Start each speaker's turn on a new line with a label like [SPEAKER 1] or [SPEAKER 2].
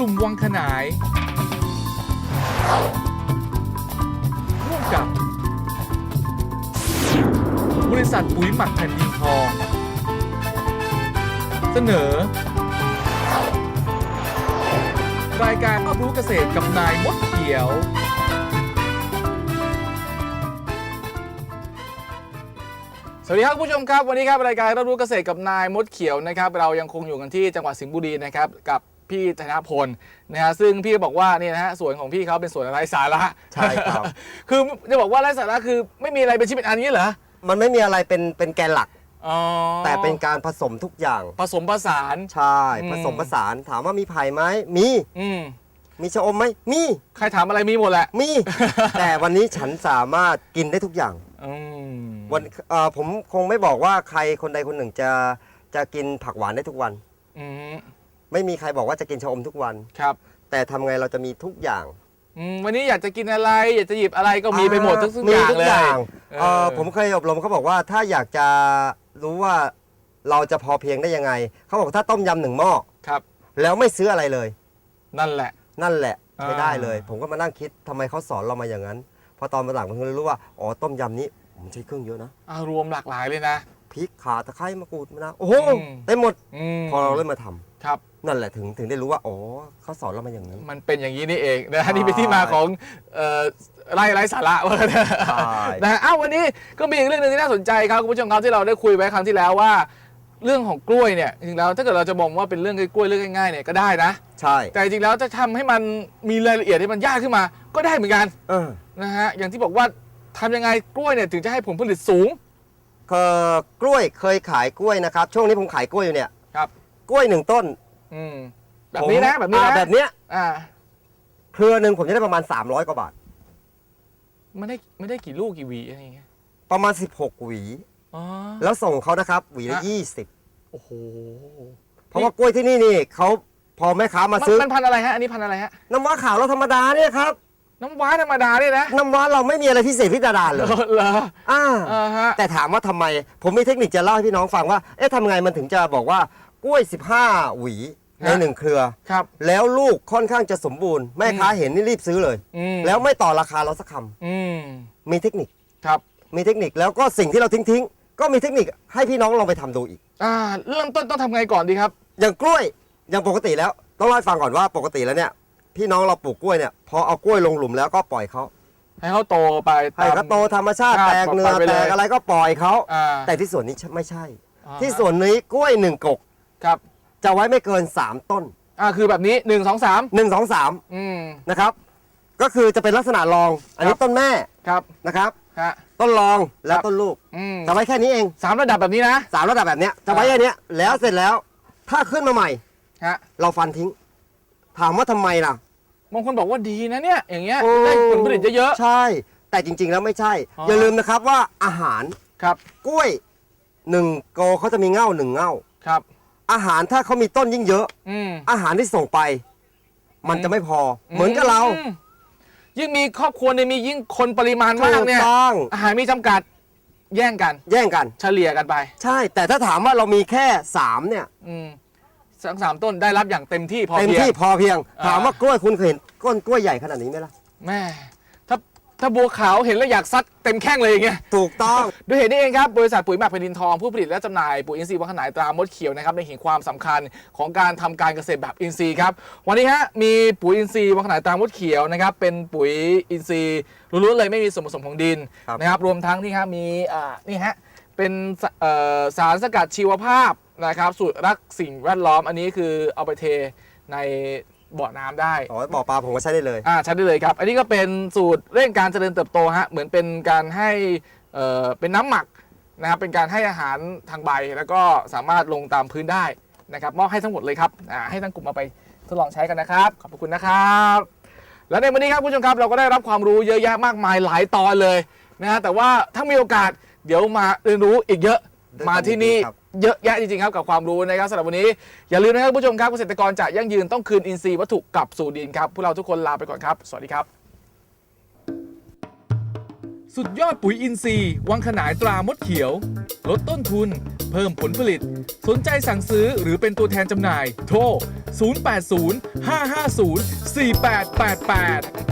[SPEAKER 1] ลุ่มวังขนายร่วมกับบริษัทปุ๋ยหมักแผ่นดินทองเสนอรายการรับรู้เกษตรกับนายมดเขียวสวัสดีครับคุณผู้ชมครับวันนี้ครับรายการรับรู้เกษตรกับนายมดเขียวนะครับเรายังคงอยู่กันที่จังหวัดสิงห์บุรีนะครับกับพี่ธนพลนะฮะซึ่งพี่บอกว่านี่นะฮะสวนของพี่เขาเป็นสวนไร้สาระ
[SPEAKER 2] ใช่ครับ
[SPEAKER 1] คือจะบอกว่าไร้สาระคือไม่มีอะไรเป็นชิ้นเป็นอันนี้เหรอ
[SPEAKER 2] มันไม่มีอะไรเป็นแกนหลักแต่เป็นการผสมทุกอย่าง
[SPEAKER 1] ผสมผสาน
[SPEAKER 2] ใช่ผสมผสานถามว่ามีไผ่ไหมมีมีชะอมไหมมี
[SPEAKER 1] ใครถามอะไรมีหมดแหละ
[SPEAKER 2] มี แต่วันนี้ฉันสามารถกินได้ทุกอย่างวันผมคงไม่บอกว่าใครคนใดคนหนึ่งจะกินผักหวานได้ทุกวันไม่มีใครบอกว่าจะกินชะอมทุกวัน
[SPEAKER 1] ครับ
[SPEAKER 2] แต่ทำไงเราจะมีทุกอย่าง
[SPEAKER 1] วันนี้อยากจะกินอะไรอยากจะหยิบอะไรก็มีไปหมดทุกอย่างเลย
[SPEAKER 2] ผมเคยอบรมเขาบอกว่าถ้าอยากจะรู้ว่าเราจะพอเพียงได้ยังไงเขาบอกถ้าต้มยำ1 หม้อ
[SPEAKER 1] ครับ
[SPEAKER 2] แล้วไม่ซื้ออะไรเลย
[SPEAKER 1] นั่นแหละ
[SPEAKER 2] ใช้ได้เลยผมก็มานั่งคิดทำไมเขาสอนเรามาอย่างนั้นพอตอนมาหลังผมก็เลยรู้ว่าอ๋อต้มยำนี้ผมใช้เครื่องเยอะนะ
[SPEAKER 1] รวมหลากหลายเลยนะ
[SPEAKER 2] พริกข่าตะไคร้มะกรูดมะนาวโอ้โหได้หมดพอเราเริ่มมาทำ
[SPEAKER 1] ครับ
[SPEAKER 2] นั่นแหละถึงได้รู้ว่าอ๋อเขาสอนเรามาอย่างนี้
[SPEAKER 1] มันเป็นอย่างนี้นี่เองนะนี่เป็นที่มาของไร้สาระว่านะฮะวันนี้ก็มีอีกเรื่องนึงที่น่าสนใจครับคุณผู้ชมครับที่เราได้คุยไว้ครั้งที่แล้วว่าเรื่องของกล้วยเนี่ยจริงแล้วถ้าเกิดเราจะมองว่าเป็นเรื่องกล้วยเรื่องง่ายๆเนี่ยก็ได้นะ
[SPEAKER 2] ใช่
[SPEAKER 1] แต่จริงแล้วจะทำให้มันมีรายละเอียดที่มันยากขึ้นมาก็ได้เหมือนกันนะฮะอย่างที่บอกว่าทำยังไงกล้วยเนี่ยถึงจะให้ผลผลิตสูง
[SPEAKER 2] กล้วยเคยขายกล้วยนะครับช่วงนี้ผมขายกล้วยอยู่เนี่ย
[SPEAKER 1] ครับ
[SPEAKER 2] กล้วย1 ต้น
[SPEAKER 1] แบบนี้นะแบบนี้นะ
[SPEAKER 2] แบบเนี้ยเครือหนึ่งผมจะได้ประมาณ300 กว่าบาท
[SPEAKER 1] ไม่ได้กี่ลูกกี่หวีอะไรอย่างเงี้ย
[SPEAKER 2] ประมาณ16 หวีแล้วส่งเขานะครับหวีละ20
[SPEAKER 1] โอ้โห
[SPEAKER 2] เพราะว่ากล้วยที่นี่เขาพอแม่ค้ามาซื้อ
[SPEAKER 1] มันพันอะไรฮะอันนี้พันอะไรฮะ
[SPEAKER 2] น้ำว้าขาวเราธรรมดาเนี่ยครับ
[SPEAKER 1] น้ำว้าธรรมดาเนี่ยนะ
[SPEAKER 2] น้ำว้าเราไม่มีอะไรพิเศษพิสดารเลย
[SPEAKER 1] เหรอ
[SPEAKER 2] แต่ถามว่าทำไมผมมีเทคนิคจะเล่าให้พี่น้องฟังว่าทำไงมันถึงจะบอกว่ากล้วย15 หวีใน1 เครือ
[SPEAKER 1] ครับ
[SPEAKER 2] แล้วลูกค่อนข้างจะสมบูรณ์แม่ค้าเห็นนี่รีบซื้อเลยแล้วไม่ต่อราคาเราสักคำมีเทคนิค
[SPEAKER 1] ครับ
[SPEAKER 2] มีเทคนิคแล้วก็สิ่งที่เราทิ้งก็มีเทคนิคให้พี่น้องลองไปทำดูอีก
[SPEAKER 1] เริ่มต้นต้องทำไงก่อนดีครับ
[SPEAKER 2] อย่างกล้วยอย่างปกติแล้วต้องเล่าให้ฟังก่อนว่าปกติแล้วเนี่ยพี่น้องเราปลูกกล้วยเนี่ยพอเอากล้วยลงหลุมแล้วก็ปล่อยเขา
[SPEAKER 1] ให้เขาโตไป
[SPEAKER 2] ให้เขาโตธรรมชาติแตกเนื้อแตกอะไรก็ปล่อยเขาแต่ที่ส่วนนี้ไม่ใช่ที่ส่วนนี้กล้วย1 กก
[SPEAKER 1] ครับ
[SPEAKER 2] จะไว้ไม่เกิน3 ต้น
[SPEAKER 1] คือแบบนี้1 2 3
[SPEAKER 2] 1 2 3นะครับก็คือจะเป็นลักษณะรองอันนี้ต้นแม่
[SPEAKER 1] ครับ
[SPEAKER 2] นะครับต้นรองแล้วต้นลูกจะไว้แค่นี้เอง
[SPEAKER 1] 3 ระดับแบบนี้นะ
[SPEAKER 2] 3 ระดับแบบนี้จะไว้แค่นี้แล้วเสร็จแล้วถ้าขึ้นมาใหม่เราฟันทิ้งถามว่าทำไมล่ะ
[SPEAKER 1] บางคนบอกว่าดีนะเนี่ยอย่างเงี้ยได้ผลผลิตเยอะ
[SPEAKER 2] ใช่แต่จริงๆแล้วไม่ใช่อย่าลืมนะครับว่าอาหาร
[SPEAKER 1] ครับ
[SPEAKER 2] กล้วย1 โกเขาจะมีเง่า1 เง่า
[SPEAKER 1] ครับ
[SPEAKER 2] อาหารถ้าเขามีต้นยิ่งเยอะอาหารที่ส่งไปมันจะไม่พอเหมือนกับเรา
[SPEAKER 1] ยิ่งมีครอบครัวเนี่ยมียิ่งคนปริมาณมากเนี่ยอาหารมีจำกัดแย่งกันเฉลี่ยกันไป
[SPEAKER 2] ใช่แต่ถ้าถามว่าเรามีแค่3เนี่ย
[SPEAKER 1] 3 ต้นได้รับอย่างเต็มที่พอเ
[SPEAKER 2] พียงถามว่ากล้วยคุณเคยเห็นก้นกล้วยใหญ่ขนาดนี้ไหมล่ะ
[SPEAKER 1] แม่ถ้าบัวขาวเห็นแล้วอยากซัดเต็มแข้งเลยอย่างเงี้ย
[SPEAKER 2] ถูกต้อง
[SPEAKER 1] ด้วยเหตุนี้เองครับบริษัทปุ๋ยหมักแผ่นดินทองผู้ผลิตและจำหน่ายปุ๋ยอินทรีย์วังขนายตรามดเขียวนะครับได้เห็นความสำคัญของการทำการเกษตรแบบอินทรีย์ครับวันนี้มีปุ๋ยอินทรีย์วังขนายตรามดเขียวนะครับเป็นปุ๋ยอินทรีย์ล้วนๆเลยไม่มีส่วนผสมของดินนะครับรวมทั้งที่มีนี่ฮะเป็นสารสกัดชีวภาพนะครับสูตรรักสิ่งแวดล้อมอันนี้คือเอาไปเทในบ่อน้ำได้
[SPEAKER 2] บ่อปลาผมก็ใช้ได้เลย
[SPEAKER 1] ใช้ได้เลยครับอันนี้ก็เป็นสูตรเร่งการเจริญเติบโตเหมือนเป็นการให้เป็นน้ำหมักนะครับเป็นการให้อาหารทางใบแล้วก็สามารถลงตามพื้นได้นะครับมอบให้ทั้งหมดเลยครับให้ทั้งกลุ่มเอาไปทดลองใช้กันนะครับขอบคุณนะครับและในวันนี้ครับผู้ชมครับเราก็ได้รับความรู้เยอะแยะมากมายหลายตอนเลยนะฮะแต่ว่าถ้ามีโอกาสเดี๋ยวมาเรียนรู้อีกเยอะมาที่นี่เยอะแยะจริงๆครับกับความรู้นะครับสำหรับวันนี้อย่าลืมนะครับผู้ชมครับเกษตรกรจะยั่งยืนต้องคืนอินทรีย์วัตถุกลับสู่ดินครับพวกเราทุกคนลาไปก่อนครับสวัสดีครับสุดยอดปุ๋ยอินทรีย์วังขนายตรามดเขียว ลดต้นทุน เพิ่มผลผลิต สนใจสั่งซื้อหรือเป็นตัวแทนจำหน่าย โทร 080 550 4888